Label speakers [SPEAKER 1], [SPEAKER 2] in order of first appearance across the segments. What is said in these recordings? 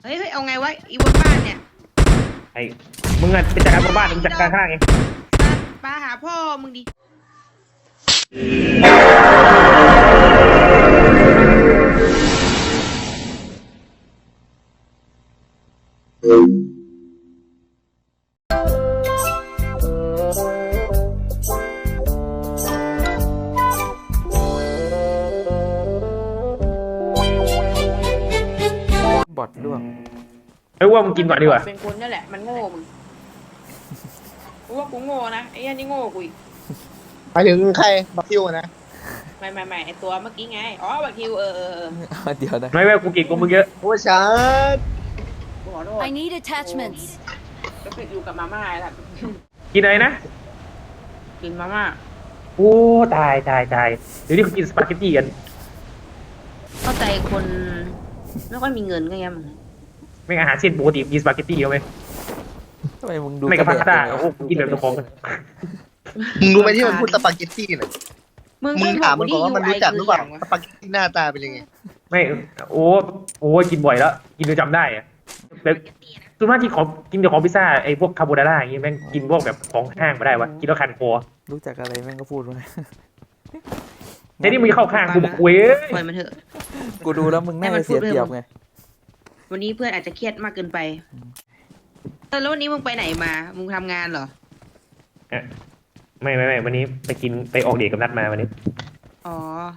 [SPEAKER 1] เฮ้ยเอาไงวะอีบนบ้านเนี่ย
[SPEAKER 2] ไอ้มึงอะไปจัดการบนบ้านมึงจัดการข้างล่างเอง
[SPEAKER 1] ปาหาพ่อมึงดิ
[SPEAKER 3] บอทร่วง
[SPEAKER 2] เฮ้ยว่ามึงกินก่อนดีกว่า
[SPEAKER 1] เป็นคนนั่นแหละมันโง่มึงกูว่ากูโง่นะไอ้ยันนี่โง่กูอีก
[SPEAKER 4] หมายถึงใครบักคิวนะ
[SPEAKER 1] ไม่ไอ้ตัวเมื่อกี้ไงอ๋อบักคิว
[SPEAKER 3] เดี๋ยวนะ
[SPEAKER 2] ไม่กูกินกูมึงเยอะ
[SPEAKER 4] โอ้ชัด
[SPEAKER 1] กูขอโทษ
[SPEAKER 5] I need attachments
[SPEAKER 1] ก็ไปอยู่กับมาม่าแหละ
[SPEAKER 2] กินอะไรนะ
[SPEAKER 1] กินมาม่า
[SPEAKER 2] โอ้ตายเดี๋ยวนี้เขากินสปาเกตตี้กัน
[SPEAKER 1] เข้าใจคนไม่ค่อยมีเงินก็ยัง
[SPEAKER 2] ไม่อาหารเส้นปกติมีสปาเกตตี้เอาไหม
[SPEAKER 3] ทำไมมึงดู
[SPEAKER 2] ไม่กับพาสต้าโอ้กินแบบตัวของ
[SPEAKER 4] มึงรู้ไหมที่มันพูดสปาเกตตี้น่ะมึงถามมันบอกว่ามันรู้จักหรือเปล่าสปาเกตตี้หน้าตาเป็นยังไง
[SPEAKER 2] ไม่โอ้กินบ่อยแล้วกินจนจำได้อะแบบส่วนมากที่ของกินแต่ของพิซซ่าไอ้พวกคาโบนาร่าอย่างงี้แม่งกินพวกแบบของห้างมาได้วะกินแล้วคันคอ
[SPEAKER 3] รู้จักอะไรแม่งก็พูดมา
[SPEAKER 2] แต่นี่มึงเข้าข้างกูบอกเว้ย
[SPEAKER 1] ปล่อยมันเถอะ
[SPEAKER 3] กูดูแล้วมึงน่าจะเสียเปรียบไง
[SPEAKER 1] วันนี้เพื่อนอาจจะเครียดมากเกินไปแล้ววันนี้มึงไปไหนมามึงทำงานเหรอ
[SPEAKER 2] ไม่วันนี้ไปออกเดทกับนัดมาวันนี้
[SPEAKER 1] อ๋อ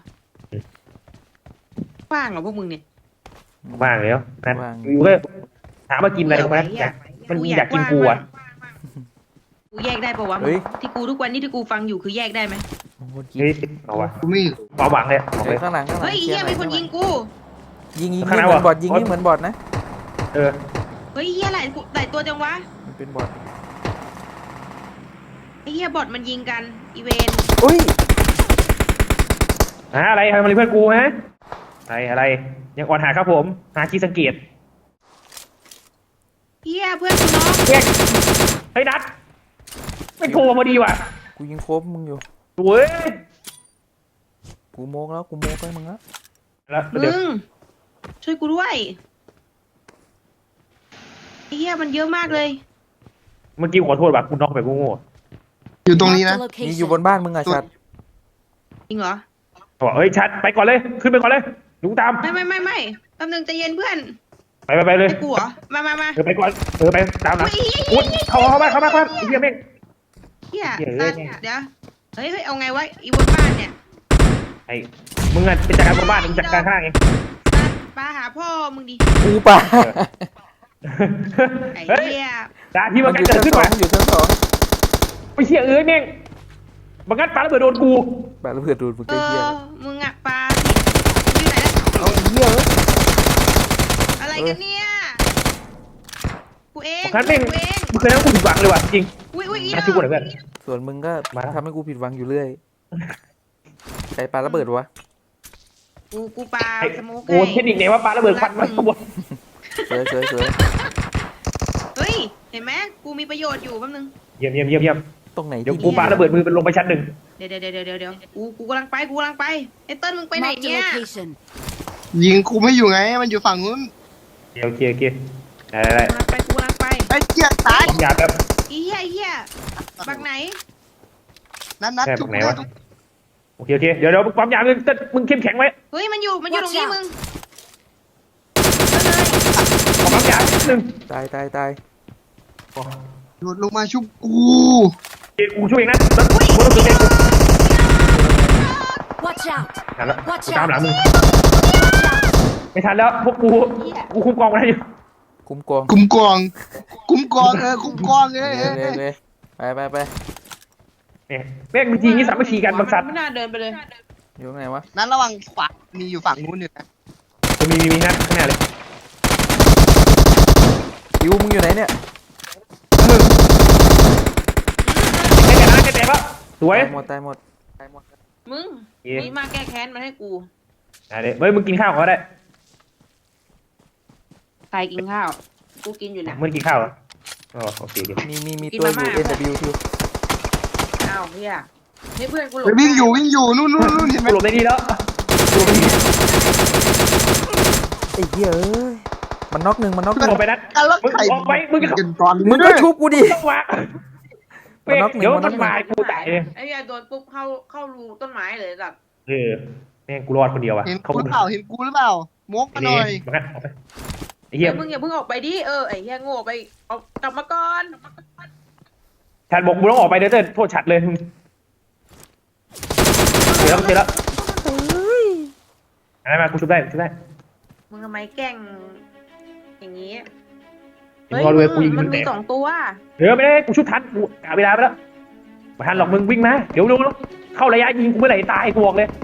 [SPEAKER 1] ว่างเหรอพวกมึงเนี่ย
[SPEAKER 2] ว่างแล้วนัดอยู่ก็ถามว่ากินอะไรกันมันอยากกินกูอ่ะ
[SPEAKER 1] กูแยกได้ปะวะที่กูทุกวันนี้ที่กูฟังอยู่คือแยกได้ไหม
[SPEAKER 2] เฮ้ยเอาวะ
[SPEAKER 4] กูไม่
[SPEAKER 2] ความหวังเลย
[SPEAKER 3] ข้างหลัง
[SPEAKER 1] เฮ้ยเฮียมีคนยิงกู
[SPEAKER 3] ยิงเหมือนบอทยิงนี่เหมือนบอทนะ
[SPEAKER 2] เ
[SPEAKER 1] ฮ้ยเฮียหลายตัวจังวะ
[SPEAKER 3] มันเป็นบอท
[SPEAKER 1] ไอ้เฮียบอทมันยิงกันอีเวน
[SPEAKER 3] อุ้ย
[SPEAKER 2] อะไรทำอะไรเพื่อนกูฮะอะไรยังอ่อนหาครับผมหาคีสังเกต
[SPEAKER 1] เฮียเพื่อนกูน้อง
[SPEAKER 2] เฮ้ยนัดไม่โทรมาดีว่ะ
[SPEAKER 3] กูยิงโคบมึงอยู่
[SPEAKER 2] เว้ย
[SPEAKER 3] กูโมกแล้วให้มึงแล้ว
[SPEAKER 1] มึงช่วยกูด้วยไอ้เฮียมันเยอะมากเลย
[SPEAKER 2] เมื่อกี้ขอโทษแบบคุณน็อกไปกูโง่
[SPEAKER 4] อยู่ตรงนี้นะ
[SPEAKER 3] นี่อยู่บนบ้านมึงอะชัด
[SPEAKER 1] จริงเหรอ
[SPEAKER 2] บอกเฮ้ยชัดไปก่อนเลยขึ้นไปก่อนเลยลุงตาม
[SPEAKER 1] ไม่แป๊บนึงใจเย็นเพื่อน
[SPEAKER 2] ไปเลย
[SPEAKER 1] กูเหรอมา
[SPEAKER 2] ไปก่อนไปตามนะอุ๊ยเข้ามาเฮียแม่ง
[SPEAKER 1] เฮียเดี๋ยวเฮ้ยเอาไงวะอีบนบ้านเนี่ย
[SPEAKER 2] ไอ้มึงอะไปจัดการบนบ้านมึงจัดการข้างล่างเอง
[SPEAKER 1] ปาหาพ่อมึงดิ
[SPEAKER 3] กูป่า
[SPEAKER 1] ไอ้เหี้ย
[SPEAKER 2] ด่าที่มันเกิดขึ้นมา
[SPEAKER 3] อยู่ชั้น2
[SPEAKER 2] ไปเชี่ยแม่งบังคับปาระเบิดโดนกู
[SPEAKER 3] ปาระเบิดโดนมึงไอ้เหี้ย
[SPEAKER 1] มึงอะปาอยู่ไหน
[SPEAKER 3] เอาเหี้ย
[SPEAKER 1] อะไรกันเนี่ยกูเอง
[SPEAKER 2] มึงเคยนั่งกูผิดหวังเลยว่ะจริง
[SPEAKER 1] น่า
[SPEAKER 2] ชิบกูหน่อยเพื่อน
[SPEAKER 3] ส่วนมึงก็ทำให้กูผิดหวังอยู่เรื่อยใครปาระเบิดวะ
[SPEAKER 1] กูปาสโมก
[SPEAKER 2] โอ้เทคนิคไหนว่าปาระเบิดควันมาขบวน
[SPEAKER 3] สวย
[SPEAKER 1] เฮ้ยเห็นไหมกูมีประโยชน์อยู่แป๊บนึง
[SPEAKER 2] เยี่ยม
[SPEAKER 3] ตรงไหน
[SPEAKER 2] เดี๋ยวกูปาระเบิดมือเป็นลงไปชั้น 1
[SPEAKER 1] เดี๋ยวกูกำลังไปไอ้เติ้ลมึงไปไหนเนี่ย
[SPEAKER 4] ยิงกูไม่อยู่ไงมันอยู่ฝั่งนู้น
[SPEAKER 2] โอเคได้
[SPEAKER 1] กูกำลังไป
[SPEAKER 4] ไอ้เจี๊ยตาย
[SPEAKER 2] อย่าแบบ
[SPEAKER 1] เหี้ยบักไหน
[SPEAKER 4] นัดจุกไหนวะ
[SPEAKER 2] โอเคเดี๋ยวความยาวมึงเข้มแข็งไว้
[SPEAKER 1] เฮ้ยมันอยู่ตรงนี้มึง
[SPEAKER 2] ความยาวนิดนึง
[SPEAKER 3] ตาย
[SPEAKER 4] โดดลงมาชุบกู
[SPEAKER 2] ช่วยเองนะแล้วกูต้องช่วยเองตามหลังมึงไม่ทันแล้วพวกกูคุมกองอะไรอยู่
[SPEAKER 3] คุมกอง
[SPEAKER 4] คุมกองคุมกอง
[SPEAKER 3] ไป
[SPEAKER 2] เนี่ยแม่งมีทีนี้สามัคคีกันบางสัตว์
[SPEAKER 1] ไม่น่าเดินไปเลย
[SPEAKER 3] อยู่ไหนวะ
[SPEAKER 4] นั้นระวังขวามีอยู่ฝั่งนู้นอยู่นะ
[SPEAKER 2] มีนะข้างหน้าเลย
[SPEAKER 3] คิวมึงอยู่ไหนเนี่ย
[SPEAKER 2] มึงแกแต่ปะสวย
[SPEAKER 3] ตายหมด
[SPEAKER 1] มึงนี่มาแก้แค้นมาให้กู
[SPEAKER 2] อะไรเฮ้ยมึงกินข้าวก็ได้
[SPEAKER 1] ใครกินข้าวกูกินอยู่นะ
[SPEAKER 2] มึงกินข้าวอ๋อโอเค
[SPEAKER 3] มีตัวอยู่ NW2
[SPEAKER 1] อ้าวเฮียนี่เพื่อนกูหลบ
[SPEAKER 4] วิ่งอยู่นู่นเห็นไหม
[SPEAKER 2] หลบได้ดีแล้ว
[SPEAKER 3] ไอ้เหี้ยมันน็อกหนึ่งมันน็อกห
[SPEAKER 2] มึ
[SPEAKER 3] นึ่
[SPEAKER 2] ง
[SPEAKER 3] ง
[SPEAKER 2] ออกไปนัด
[SPEAKER 4] แล้ว
[SPEAKER 2] มึง
[SPEAKER 4] ใคร
[SPEAKER 2] ออกไปมึงจะ
[SPEAKER 4] กินตอน
[SPEAKER 3] มึงก็ชุบกูดิ
[SPEAKER 2] ต้องวะ
[SPEAKER 3] มันน็อกหนึ่ง
[SPEAKER 2] เดี๋ยว
[SPEAKER 3] มันน็
[SPEAKER 2] มั
[SPEAKER 3] อก
[SPEAKER 2] น
[SPEAKER 3] หนึ่ง
[SPEAKER 2] มากูตายเลย
[SPEAKER 1] ไอ้เหี้ยโดนปุ๊บเข้ารูต้นไม้เลยแบบ
[SPEAKER 2] เออแม่งกูรอดคนเดียวอะ
[SPEAKER 4] เห็น
[SPEAKER 2] เขา
[SPEAKER 4] กูหรือเปล่าเห็นกูหรือเปล่ามกมาหน่อย
[SPEAKER 2] มันงั้นออกไปไอ้เหี้ย
[SPEAKER 1] มึงอย่าเพิ่งออกไปดิไอ้เหี้ยโง่ไปเอากลับมาก่อน
[SPEAKER 2] ฉันบอกมึงต้องออกไปเดี๋ยวจะโทษฉัดเลยมึงเสร็จแล้วอะไรมากูชุบได้ชุบได้
[SPEAKER 1] มึงทำไมแกล้งอย่างนี้
[SPEAKER 2] เดี๋ยวรอดูกูยิง
[SPEAKER 1] มั
[SPEAKER 2] มัน น
[SPEAKER 1] มี
[SPEAKER 2] แตก
[SPEAKER 1] 2 ตัว
[SPEAKER 2] เดี๋ยวไม่ได้กูชุบทันกูกะเวลาไปแล้วมาทันหรอกมึงวิ่งมาเดี๋ยวเข้าระยะยิงกูเมื่อไหร่ตายกูบอกเลย